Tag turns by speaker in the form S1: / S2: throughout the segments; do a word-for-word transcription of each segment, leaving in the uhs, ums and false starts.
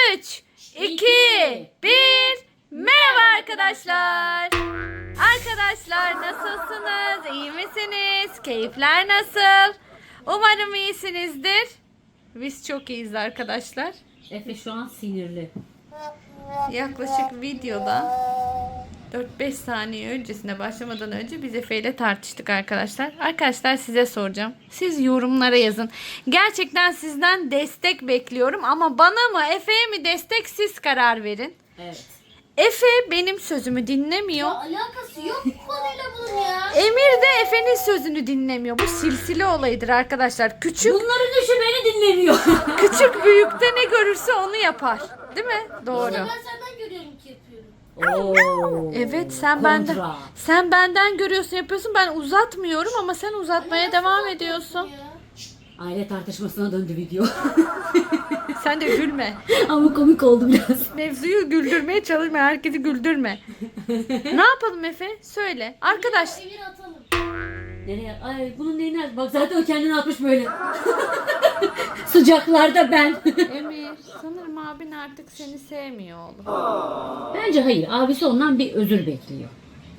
S1: üç, iki, bir. Merhaba arkadaşlar. Arkadaşlar nasılsınız? İyi misiniz? Keyifler nasıl? Umarım iyisinizdir. Biz çok iyiyiz arkadaşlar.
S2: Efe şu an sinirli.
S1: Yaklaşık videoda dört beş saniye öncesine başlamadan önce biz Efe ile tartıştık arkadaşlar. Arkadaşlar size soracağım. Siz yorumlara yazın. Gerçekten sizden destek bekliyorum ama bana mı Efe'ye mi destek siz karar verin.
S2: Evet.
S1: Efe benim sözümü dinlemiyor.
S3: Ya alakası yok bu konuyla bunun ya.
S1: Emir de Efe'nin sözünü dinlemiyor. Bu silsile olayıdır arkadaşlar. Küçük
S2: Bunların düşü beni dinlemiyor.
S1: küçük büyükte ne görürse onu yapar. Değil mi? Doğru.
S3: Ben senden görüyorum ki yapıyorum.
S2: Oo.
S1: Evet sen
S2: Kontra.
S1: benden sen benden görüyorsun yapıyorsun, ben uzatmıyorum ama sen uzatmaya devam ediyorsun.
S3: Ya.
S2: Aile tartışmasına döndü video.
S1: Sen de gülme.
S2: Ama komik oldu biraz.
S1: Mevzuyu güldürmeye çalışma, herkesi güldürme. Ne yapalım Efe? Söyle. Arkadaş
S3: Emir atalım.
S2: Nereye? Ay bunun neyine? Bak zaten o kendini atmış böyle. Sıcaklarda ben.
S1: Emir, sanırım abin artık seni sevmiyor oğlum.
S2: Bence hayır. Abisi ondan bir özür bekliyor.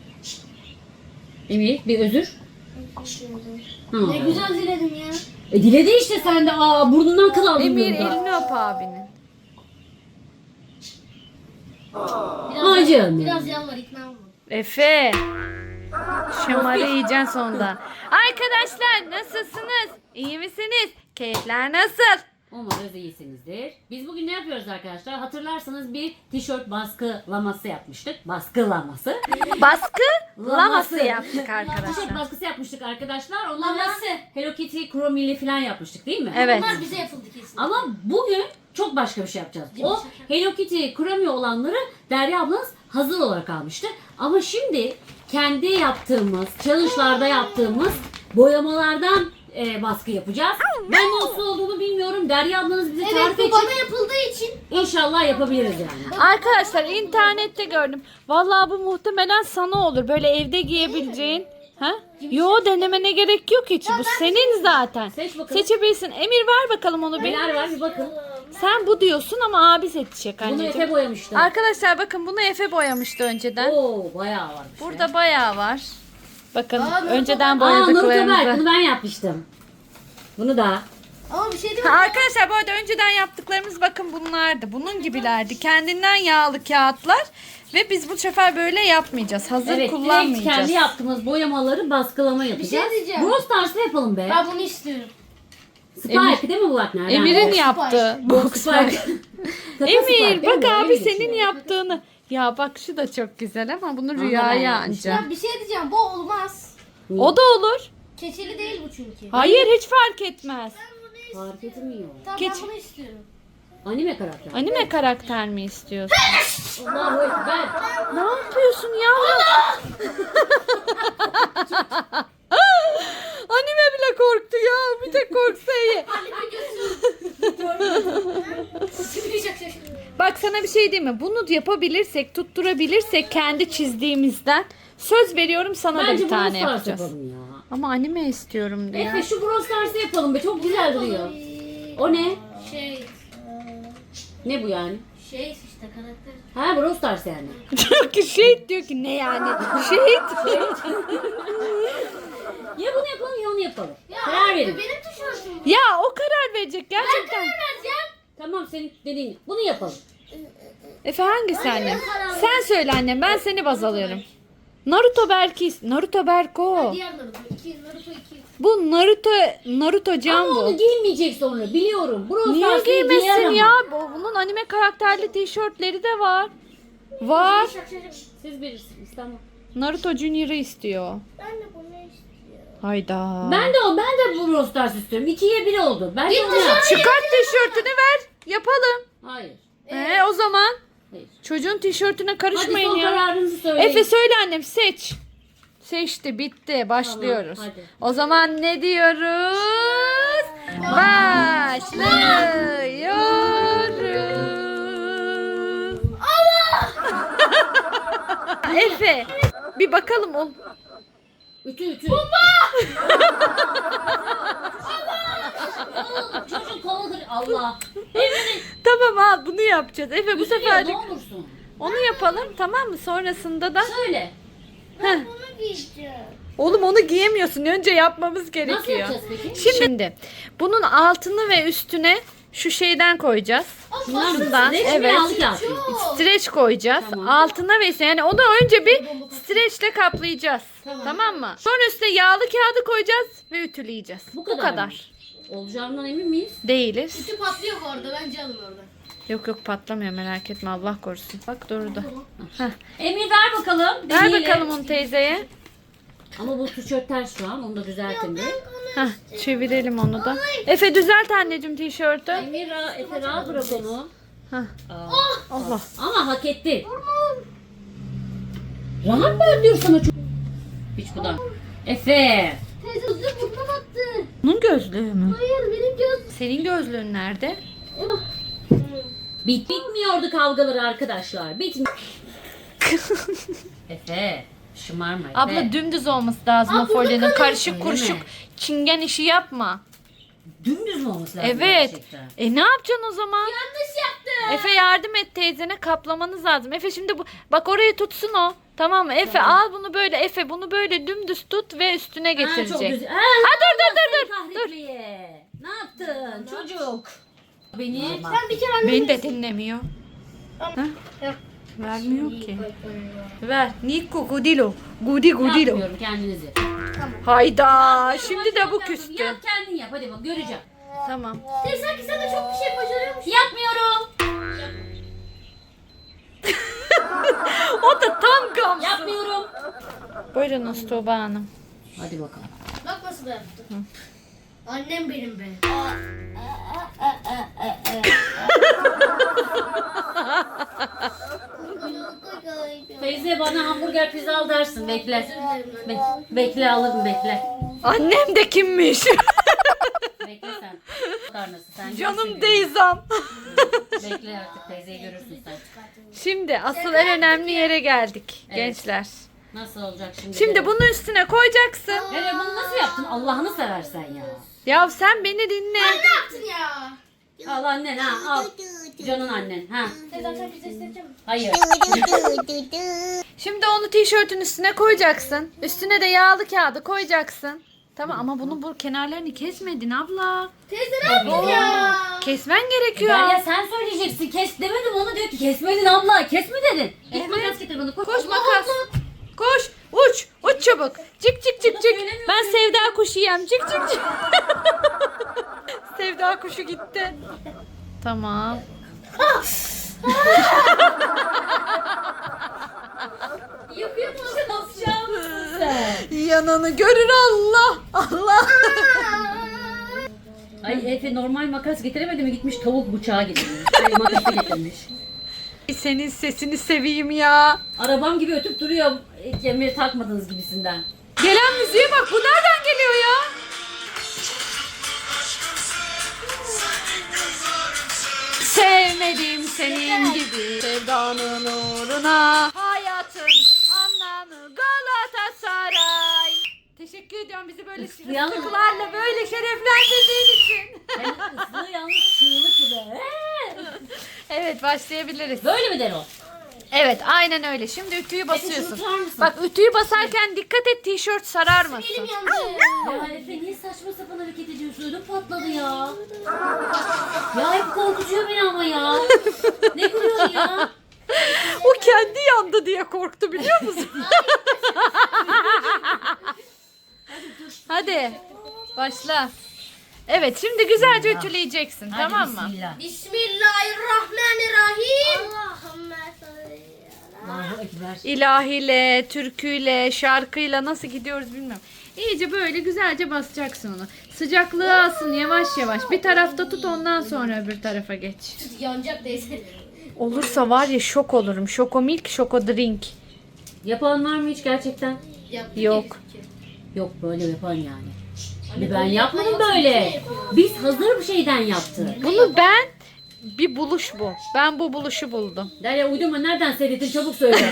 S2: Emir bir özür. Ha.
S3: Ne güzel diledim ya.
S2: E diledi işte sen de. Aa burnundan kıl aldın.
S1: Emir
S2: burada.
S1: elini öp abinin.
S3: Biraz,
S2: Ay canım.
S3: biraz yalvar ikna olma.
S1: Efe. Şamarı yiyeceksin sonunda. Arkadaşlar nasılsınız? İyi misiniz? Keyifler nasıl?
S2: Umarız iyisinizdir. Biz bugün ne yapıyoruz arkadaşlar? Hatırlarsanız bir tişört baskılaması yapmıştık. Baskılaması.
S1: Baskı laması
S2: Laması.
S1: yaptık
S2: Tişört
S1: arkadaşlar.
S2: baskısı yapmıştık arkadaşlar. Ondan da
S3: Laması.
S2: Hello Kitty Chrome'li falan yapmıştık değil mi?
S1: Evet.
S3: Bunlar bize yapıldı kesin.
S2: Ama bugün çok başka bir şey yapacağız. O Hello Kitty Chrome olanları Derya ablanız hazır olarak almıştı. Ama şimdi kendi yaptığımız, challenge'larda yaptığımız boyamalardan e, baskı yapacağız. Ben nasıl olduğunu bilmiyorum. Derya ablanız bize
S3: Evet
S2: tarif
S3: bu
S2: edecek.
S3: bana yapıldığı için.
S2: İnşallah yapabiliriz yani.
S1: Arkadaşlar internette gördüm. Vallahi bu muhtemelen sana olur. Böyle evde giyebileceğin. Ha? Yo, denemene gerek yok hiç. Bu senin zaten.
S2: Seç bakalım.
S1: Seçebilirsin. Emir ver bakalım onu bir.
S2: Neler var bir bakın.
S1: Sen bu diyorsun ama abi seçecek
S2: Bunu
S1: anneciğim.
S2: Efe boyamıştı.
S1: Arkadaşlar bakın bunu Efe boyamıştı önceden.
S2: Oo bayağı varmış.
S1: Burada
S2: ya.
S1: bayağı var. Bakın
S3: Aa, Naruto
S1: önceden
S2: Aa Naruto Berk
S1: boyadıklarımızı.
S2: bunu ben yapmıştım. Bunu da.
S3: Ama bir şey değil mi?
S1: Ha, arkadaşlar bu arada önceden yaptıklarımız bakın bunlardı. Bunun gibilerdi. Kendinden yağlı kağıtlar. Ve biz bu sefer böyle yapmayacağız. Hazır
S2: Evet direkt
S1: kullanmayacağız.
S2: kendi yaptığımız boyamaları baskılama yapacağız.
S3: diyeceğim.
S2: Brawl Stars'ta yapalım be.
S3: Ben bunu istiyorum.
S2: Spike değil mi bu bak nereden?
S1: Emir'in
S3: Box
S1: yaptığı. Box
S2: Spike. Kaka
S1: Emir
S2: Spike değil
S1: bak
S2: mi?
S1: abi
S2: Öyle
S1: senin
S2: geçiyor.
S1: yaptığını. Ya bak şu da çok güzel ama bunu
S2: Onu ben
S1: rüyaya
S2: yapmıştım.
S1: anca.
S3: Ya bir şey diyeceğim bu olmaz.
S1: O da olur.
S3: Keçeli değil bu çünkü.
S1: Hayır hiç fark etmez.
S2: Fark etmiyor.
S3: Tamam
S1: Geç.
S3: ben bunu istiyorum.
S2: Anime karakter.
S1: Anime karakter mi istiyorsun?
S2: Allahu Ekber.
S1: Ne yapıyorsun yavrum? Anime bile korktu ya. Bir tek korksa iyi. Bak sana bir şey diyeyim mi? Bunu yapabilirsek, tutturabilirsek kendi çizdiğimizden söz veriyorum sana da
S2: Bence
S1: bir
S2: Brawl
S1: tane
S2: Stars
S1: yapacağız.
S2: yapalım ya.
S1: Ama anime istiyorum diyor.
S2: Efe şu Brawl Stars'ı yapalım be. Çok güzel duruyor. O ne?
S3: Şey,
S2: Ne bu yani?
S3: şey işte karakter.
S2: Ha Brawl Stars yani.
S1: Diyor ki şehit diyor ki ne yani? Şehit.
S2: Ya bunu yapalım ya onu yapalım.
S3: Ya
S2: Karar
S3: abi,
S2: verin.
S3: benim tişörtüm.
S1: Ya o karar verecek gerçekten.
S3: Vereceğim.
S2: Tamam senin dediğin. Bunu yapalım.
S1: Efe hangisi annem?
S3: karar
S1: Sen söyle annem, ben seni baz alıyorum. Naruto belki. Naruto Berko.
S3: Diğer Naruto iki, Naruto iki.
S1: Bu Naruto Naruto Can
S2: Ama
S1: bu.
S2: onu giymeyecek sonra biliyorum. Brawl
S1: Niye
S2: Stars'ı giyer
S1: giymesin
S2: ama.
S1: ya? Bu- Bunun anime karakterli tişörtleri de var. Var.
S2: Siz bilirsiniz tamam.
S1: Naruto Junior'ı istiyor.
S3: Ben de bunu istiyorum.
S1: Hayda.
S2: Ben de o ben de bu Brawl Stars istiyorum. İkiye bir oldu. Ben de onu yap.
S1: Çıkart tişörtünü ver. Yapalım.
S2: Hayır.
S1: Ee, o zaman
S2: Hayır.
S1: çocuğun tişörtüne
S2: Hadi
S1: karışmayın
S2: son
S1: ya.
S2: kararınızı söyleyin.
S1: Efe söyle annem, seç. Seçti, bitti. Başlıyoruz.
S2: Tamam, hadi.
S1: O zaman ne diyoruz? Başlıyoruz. Allah! Efe, bir bakalım o.
S2: Ütü ütü. Çocuk koludur Allah. Emre'nin
S1: Tamam al bunu yapacağız. Efe bu
S2: Üzülüyor,
S1: seferlik
S2: ne olursun.
S1: onu yapalım tamam mı? Sonrasında da
S2: Söyle.
S1: Heh.
S3: Bunu giyeceğim.
S1: Oğlum onu giyemiyorsun. Önce yapmamız
S2: Nasıl
S1: gerekiyor.
S2: yapacağız peki?
S1: Şimdi bunun altını ve üstüne şu şeyden koyacağız.
S2: Şundan mı?
S1: Şundan,
S2: Streç mi,
S1: evet.
S2: yağlı kağıt mı?
S1: Streç koyacağız.
S2: Tamam.
S1: Altına ve üstüne yani onu önce bir streçle kaplayacağız. Tamam.
S2: Tamam.
S1: mı? Sonra üstüne yağlı kağıdı koyacağız ve ütüleyeceğiz.
S2: Bu
S1: Bu
S2: kadar
S1: kadar.
S2: mı? Olacağından emin miyiz?
S1: Değiliz.
S3: Ütü patlıyor orada. Bence alın orada.
S1: Yok yok patlamıyor merak etme Allah korusun. Bak durdu. Heh.
S2: Emir ver bakalım.
S1: Ver
S2: deneyelim.
S1: bakalım onu teyzeye.
S2: Ama bu tişört ters şu an. Onu da düzeltin bir.
S1: Heh, çevirelim onu da. Efe düzelt anneciğim tişörtü.
S2: Emir ra- Efe rahat bırak onu.
S1: Heh.
S2: Aa.
S1: Allah.
S2: Ama hak etti. Rahat ver diyor sana çok. Hiç bu da. Efe.
S3: Teyze hızlı burnuma battı.
S1: Bunun gözlüğü mü?
S3: Hayır benim göz.
S1: Senin gözlüğün nerede?
S2: Bit bitmiyordu kavgaları arkadaşlar. Bitmiyor. Efe. Şımarma Efe.
S1: Abla dümdüz olması lazım
S3: Aa,
S1: o
S3: burada
S1: folyanın.
S3: kalıyor.
S1: Karışık
S2: Öyle
S1: kuruşuk
S2: mi?
S1: çingen işi yapma.
S2: Dümdüz mü olması lazım
S1: Evet.
S2: gerçekten?
S1: E ne yapacaksın o zaman?
S3: Yanlış yaptım.
S1: Efe yardım et teyzene kaplamanız lazım. Efe şimdi bu bak orayı tutsun o. Tamam mı? Efe al bunu böyle Efe bunu böyle dümdüz tut ve üstüne
S2: Ha, çok
S1: getirecek.
S2: güzel. Ha,
S1: Ha dur dur dur dur.
S2: seni kahretmeye. Ne yaptın çocuk? Beni
S3: Ben bir kere annem.
S1: Beni de dinlemiyor. Ha?
S3: Yok.
S1: Vermiyor ki. Ver. Nico Gudilo. Gudi Gudilo.
S2: yapmıyorum kendinizi.
S1: Hayda. Şimdi de bu
S2: Yap, yap,
S1: küstü.
S2: Yap kendin yap hadi bak göreceğim.
S1: Tamam.
S3: Teyze sanki sen de çok bir şey başarıyormuşsun.
S2: Yapmıyorum.
S1: O da tam gamsız.
S2: Yapmıyorum.
S1: Buyurunuz Tuğba Hanım.
S2: Hadi bakalım.
S3: Bak nasıl da yaptı. Annem benim be.
S2: Teyze bana hamburger pizza al dersin bekle. Be- bekle alırım bekle.
S1: Annem de kimmiş?
S2: Bekle sen. Karnası sen.
S1: Canım
S2: görürsün
S1: teyzem.
S2: günü. Bekle artık teyzeyi görürsün sen.
S1: Şimdi asıl en önemli yere geldik
S2: Evet.
S1: gençler.
S2: Nasıl olacak şimdi?
S1: Şimdi
S2: de?
S1: bunun üstüne koyacaksın.
S2: Evet bunu nasıl yaptın? Allah'ını seversen ya.
S1: Ya sen beni dinle.
S3: Ne yaptın ya?
S2: Al annen ha al. Canın annen ha.
S3: Teyzem sen bize isteyecek misin?
S2: Hayır.
S1: Şimdi onu tişörtün üstüne koyacaksın. Üstüne de yağlı kağıdı koyacaksın. Tamam ama bunun bu kenarlarını kesmedin abla.
S3: Teyze ne yaptın ya?
S1: Kesmen gerekiyor.
S2: Derya sen söyleyeceksin. Kes demedim ona diyor ki kesmedin abla. Kes mi dedin? Git
S1: Evet.
S2: makas getir bana. Koş,
S1: Koş makas. Koş. Uç. Uç çabuk. Çık çık çık çık.
S2: söylemiyorsun.
S1: Ben sevda kuşu yem. Çık çık çık. Sevda kuşu gitti. Tamam.
S3: Yapıyor musun?
S2: Yapacağım mısın sen?
S1: Yananı görür Allah. Allah.
S2: Ay Efe normal makas getiremedi mi? Gitmiş tavuk bıçağı getirmiş. Ay makası getirmiş.
S1: Senin sesini seveyim ya.
S2: Arabam gibi ötüp duruyor. e, Kemeri takmadınız gibisinden.
S1: Gelen müziğe bak. Bu nereden geliyor ya? Sevmedim senin gibi sevdanın uğruna hayatın anlamı Galatasaray. Teşekkür ediyorum bizi böyle
S2: Islayalım.
S1: ıslıklarla böyle şereflendirdiğin için.
S2: Hem ıslığı yalnız çığlık gibi.
S1: Evet başlayabiliriz.
S2: Böyle mi der o?
S1: Evet aynen öyle. Şimdi ütüyü
S2: şunu
S1: basıyorsun.
S2: tutar mısın?
S1: Bak ütüyü basarken dikkat et tişört sararmasın.
S3: Elim yandı.
S2: Ya Efe niye saçma sapan hareket ediyorsun? Ödüm patladı ya. Ya hep korkutuyor beni ama ya. Ne gülüyorsun ya?
S1: O kendi yandı diye korktu biliyor musun? Hadi başla. Evet şimdi güzelce ütüleyeceksin
S2: Hadi
S1: tamam mı?
S2: Bismillah.
S3: Bismillahirrahmanirrahim. Allahümme salli ala.
S2: Allahu Ekber.
S1: İlahiyle, türküyle, şarkıyla nasıl gidiyoruz bilmiyorum. İyice böyle güzelce basacaksın onu. Sıcaklığı alsın yavaş yavaş. Bir tarafta tut ondan sonra öbür tarafa geç.
S3: Yanacak teyze.
S1: Olursa var ya şok olurum. Şoko milk, şoko drink.
S2: Yapan var mı hiç gerçekten?
S3: Yaptı
S1: Yok.
S3: ki.
S2: Yok böyle yapan yani.
S3: Anne,
S2: Ben
S3: böyle
S2: yapmadım
S3: yapma,
S2: böyle.
S3: yapma.
S2: Biz hazır bir şeyden yaptık.
S1: Bunu ben bir buluş bu. Ben bu buluşu buldum.
S2: Derya uydurma nereden seyrettin çabuk söyle.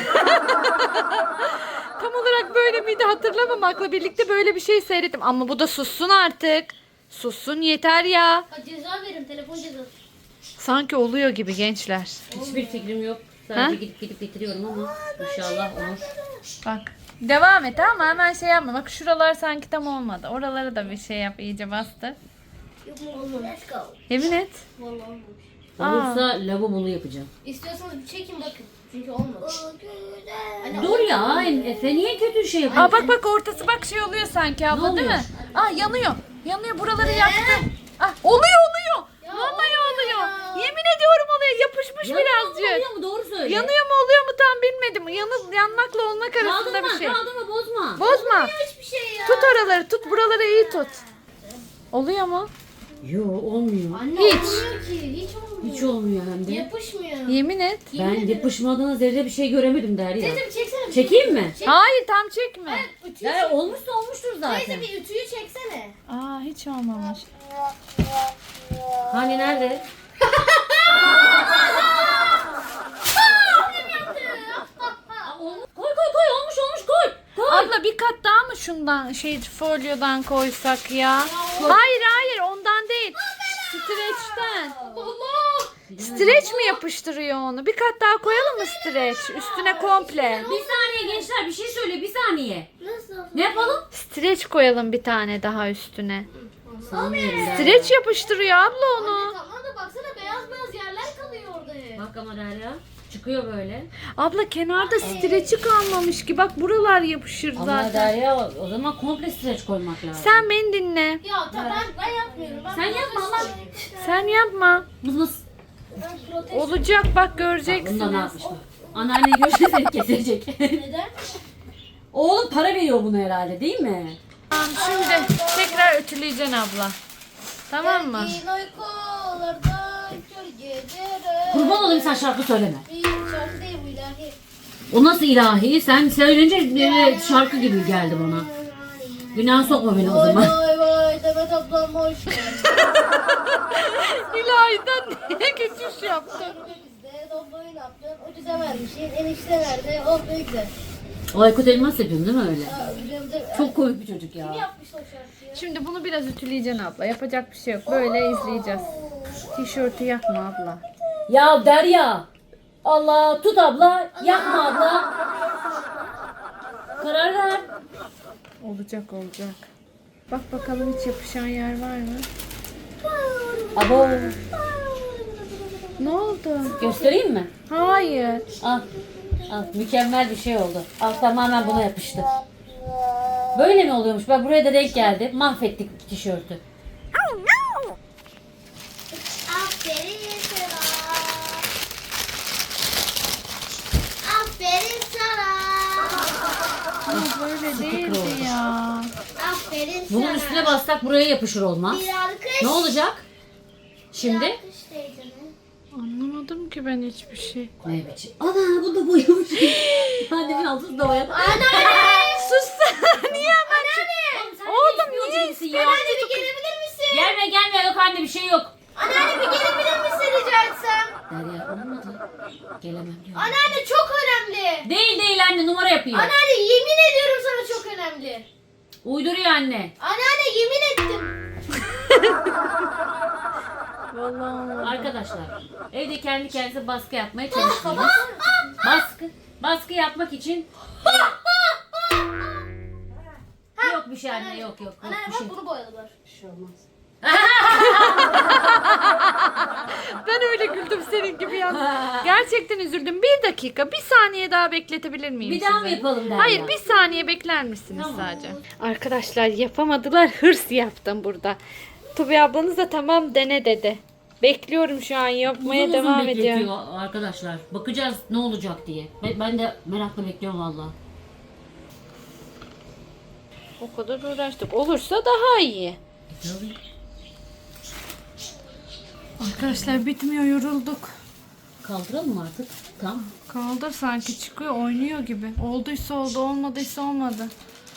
S1: Tam olarak böyle miydi hatırlamamakla birlikte böyle bir şey seyrettim. Ama bu da sussun artık. Sussun yeter ya.
S3: Ha, ceza verin telefon cezası.
S1: Sanki oluyor gibi gençler.
S2: Hiçbir fikrim yok. Sadece
S1: Ha?
S2: gidip gidip getiriyorum ama inşallah olur.
S1: Bak. Devam et ama hemen şey yapma. Bak şuralar sanki tam olmadı. Oralara da bir şey yap. İyice bastır.
S3: Let's go.
S1: Yemin et.
S3: Vallahi olmamış.
S2: Olursa lavabolu yapacağım.
S3: İstiyorsanız bir çekin bakın. Çünkü olmadı. Anne,
S2: Dur ya Efe niye kötü şey yapıyorsun?
S1: Aa bak bak ortası bak şey oluyor sanki abla
S2: Ne
S1: değil
S2: oluyor?
S1: mi? Aa yanıyor. Yanıyor buraları yaktı. Ah oluyor oluyor. Vallahi oluyor. Yemin ediyorum oluyor. Yapışmış
S2: Yanıyor mu,
S1: birazcık.
S2: oluyor mu? Doğru söyle.
S1: Yanıyor mu oluyor mu tam bilmedim. Yanıp yanmakla olmak arasında
S2: Kaldırma
S1: bir şey.
S2: kaldırma bozma.
S1: Bozma.
S3: hiçbir şey ya.
S1: Tut oraları tut. Buraları iyi tut. Oluyor mu?
S2: Yo olmuyor.
S3: Anne
S1: Hiç.
S3: olmuyor ki. Hiç olmuyor.
S2: Hiç olmuyor hem de.
S3: Yapışmıyor.
S1: Yemin et.
S2: Ben yapışmadığına zerre bir şey göremedim Derya.
S3: Teyze bir çeksene. bir
S2: Çekeyim mi?
S3: Çek.
S1: Hayır tam çekme.
S3: Ütüyü
S2: Ya olmuşsa olmuştur zaten.
S3: Teyze bir ütüyü çeksene.
S1: Aa hiç olmamış.
S2: Hani nerede? Aa, olmuş. Koy koy koy olmuş olmuş koy. Koy.
S1: Abla bir kat daha mı şundan şey folyodan koysak ya? Hayır hayır ondan değil. Streçten.
S3: Allah.
S1: Streç mi yapıştırıyor onu? Bir kat daha koyalım mı streç? Üstüne komple.
S2: Bir saniye gençler bir şey söyle bir saniye.
S3: Nasıl?
S2: Ne yapalım?
S1: Streç koyalım bir tane daha üstüne.
S2: Sanmıyorum Derya.
S1: Streç yapıştırıyor abla
S3: Anne
S1: onu.
S3: tamam da baksana beyaz beyaz yerler kalıyor orada hep.
S2: Bak ama Derya çıkıyor böyle.
S1: Abla kenarda streçi kalmamış ki. Bak buralar yapışır
S2: Ama
S1: zaten.
S2: Derya o zaman komple streç koymak lazım.
S1: Sen beni dinle.
S3: Ya tamam ben, ben yapmıyorum. Ben
S2: Sen yapma
S3: protesto-
S2: lan.
S1: Sen yapma.
S2: Mız mız.
S3: Ben protesto.
S1: Olacak bak
S2: Bunda ne
S1: göreceksiniz.
S2: yapmış bak. Anneanne görse seni kesecek.
S3: Neden?
S2: Oğlum para veriyor bunu herhalde değil mi?
S1: Tamam şimdi tekrar ütüleyeceksin abla. Tamam mı?
S3: Gergin uykularda kör geceler.
S2: Kurban olayım sen şarkı söyleme.
S3: Bir şarkı değil bu ilahi.
S2: O nasıl ilahi? Sen söyleyince böyle şarkı gibi geldi bana. Günah sokma beni o
S3: Vay
S2: zaman.
S3: vay vay Demet ablam hoş geldin.
S1: İlahi'den niye geçiş yaptın?
S3: Bizde dobloyu ne yaptın? Ucuza vermişsin. Enişte nerede? Oh ne güzel.
S2: O Aykut Elmas yapıyorsun değil mi öyle?
S3: Aa, biliyorum da-
S2: Çok komik bir çocuk ya.
S3: Kim yapmış o şarkıyı?
S1: Şimdi bunu biraz ütüleyeceksin abla. Yapacak bir şey yok. Böyle izleyeceğiz. Tişörtü yakma abla.
S2: Ya Derya. Allah tut abla. Yapma abla. Karar ver.
S1: Olacak olacak. Bak bakalım hiç yapışan yer var mı?
S2: Abo.
S1: Ne oldu?
S2: Göstereyim mi?
S1: Hayır.
S2: Al. Al. Mükemmel bir şey oldu. Al tamamen buna yapıştı. Böyle mi oluyormuş? Bak buraya da denk geldi. Mahvettik tişörtü.
S3: Aferin sana. Aferin sana.
S1: Ama böyle değildi
S2: oldu.
S1: ya.
S3: Aferin
S2: Bunun
S3: sana.
S2: üstüne bassak buraya yapışır olmaz.
S3: Bir alkış.
S2: Ne olacak? Şimdi?
S3: Bir alkış teyzeme.
S1: Anlamadım ki ben hiçbir şey.
S2: Ne biçim? Ana bu da boyamış. Annemin altını da boyadı.
S1: Sus niye ama? Oğlum niye
S2: istiyorsun ya?
S3: Anne bir gelebilir misin?
S2: Gelme gelme yok anne bir şey yok.
S3: Anneanne bir gelebilir misin rica etsem?
S2: Derya olmadı. Gelemem diyor.
S3: Anneanne çok önemli.
S2: Değil değil anne numara yapıyor.
S3: Anneanne yemin ediyorum sana çok önemli.
S2: Uyduruyor anne.
S3: Anneanne yemin ettim.
S1: Vallahi.
S2: Arkadaşlar evde kendi kendinize baskı yapmaya çalıştınız. Baskı baskı yapmak için yok bir şey anne yok yok yok
S3: Anneanne
S2: bir
S3: bak
S2: şey.
S3: bunu boyadılar.
S1: Ben öyle güldüm senin gibi ya. Gerçekten üzüldüm. Bir dakika, bir saniye daha bekletebilir miyim
S2: Bir daha mı
S1: sizi?
S2: yapalım Derya?
S1: Hayır, bir saniye bekler misiniz
S2: Tamam.
S1: sadece? Arkadaşlar yapamadılar. Hırs yaptım burada. Tubi ablanız da tamam dene dedi. Bekliyorum şu an yapmaya
S2: Uzun uzun
S1: devam
S2: bekletiyor
S1: ediyor.
S2: arkadaşlar. Bakacağız ne olacak diye. Ben, ben de merakla bekliyorum valla.
S1: O kadar uğraştık. Olursa daha iyi. Arkadaşlar bitmiyor, yorulduk.
S2: Kaldıralım mı artık? Tamam.
S1: Kaldır sanki çıkıyor, oynuyor gibi. Olduysa oldu, olmadıysa olmadı.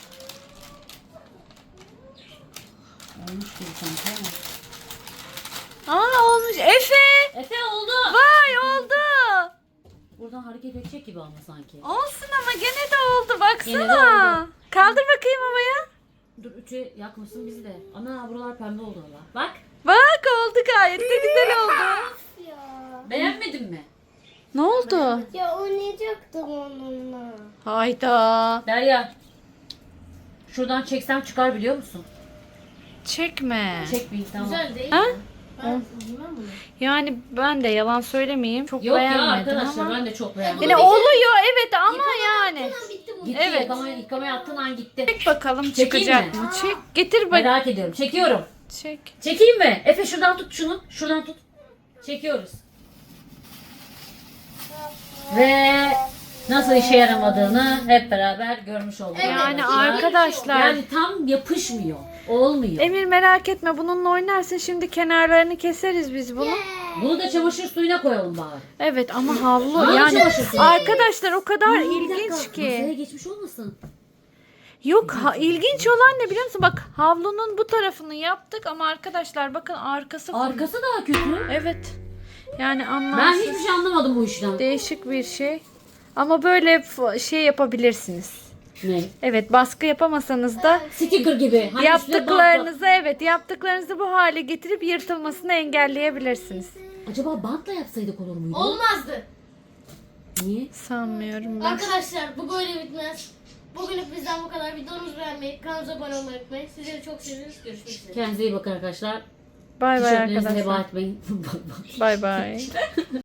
S2: Olmuş gibi sanki ama.
S1: Aa olmuş. Efe!
S2: Efe oldu.
S1: Vay oldu.
S2: Buradan hareket edecek gibi ama sanki.
S1: Olsun ama gene de oldu. Baksana.
S2: Gene de oldu.
S1: Kaldır bakayım havaya.
S2: Dur üçe yakmasın bizi de. Ana buralar pembe oldu valla. Bak.
S1: Bak bak oldu gayet de güzel oldu.
S3: Ya.
S2: Beğenmedin mi?
S1: Ne oldu?
S3: Ya oynayacaktım onunla.
S1: Hayda.
S2: Derya. Şuradan çeksem çıkar biliyor musun?
S1: Çekme.
S2: Çekmeyin tamam.
S3: Güzel değil
S1: Ha?
S3: mi? Ben bilmem bunu.
S1: Yani ben de yalan söylemeyeyim. Çok
S2: Yok ya
S1: beğenmedim
S2: arkadaşlar
S1: ama.
S2: ben de çok beğendim.
S1: Yine oluyor evet ama yani.
S3: Tamam bitti bu.
S2: Gitti
S1: Evet.
S2: yıkamaya, yıkamaya attığın an gitti.
S1: Çek bakalım
S2: Çekeyim
S1: çıkacak
S2: mi?
S1: mı? Çek. Getir bak.
S2: Merak ediyorum. Çekiyorum.
S1: Çek.
S2: Çekeyim mi? Efe şuradan tut şunu. Şuradan tut. Çekiyoruz. Ve nasıl işe yaramadığını hep beraber görmüş olduk.
S1: Yani
S2: arkadaşlar.
S1: arkadaşlar.
S2: Yani tam yapışmıyor. Olmuyor.
S1: Emir merak etme bununla oynarsın. Şimdi kenarlarını keseriz biz bunu.
S2: Bunu da çamaşır suyuna koyalım bari.
S1: Evet ama havlu
S2: Havlu
S1: yani
S2: çamaşır suyu.
S1: arkadaşlar o kadar
S2: Bir
S1: ilginç
S2: dakika, Masaya
S1: ki.
S2: geçmiş olmasın?
S1: Yok ha, ilginç olan ne biliyor musun? Bak havlunun bu tarafını yaptık ama arkadaşlar bakın arkası full.
S2: Arkası daha kötü.
S1: Evet. Yani
S2: Ben
S1: anlamsız.
S2: hiçbir şey anlamadım bu işten.
S1: Değişik bir şey. Ama böyle f- şey yapabilirsiniz.
S2: Ne?
S1: Evet baskı yapamasanız da
S2: Sticker gibi. Hani
S1: yaptıklarınızı evet yaptıklarınızı bu hale getirip yırtılmasını engelleyebilirsiniz.
S2: üstüne bant- Acaba bantla yapsaydık olur muydu?
S3: Olmazdı.
S2: Niye?
S1: Sanmıyorum ben.
S3: Arkadaşlar bu böyle bitmez. Bugünlük bizden bu kadar. Videomuzu beğenmeyi, kanalımıza abone olmayı unutmayın. Sizleri çok seviyoruz. Görüşmek üzere.
S2: Kendinize iyi bakın arkadaşlar.
S1: Bay bay
S2: Tişörtlerinizi heba
S1: arkadaşlar.
S2: etmeyin.
S1: Bay bay.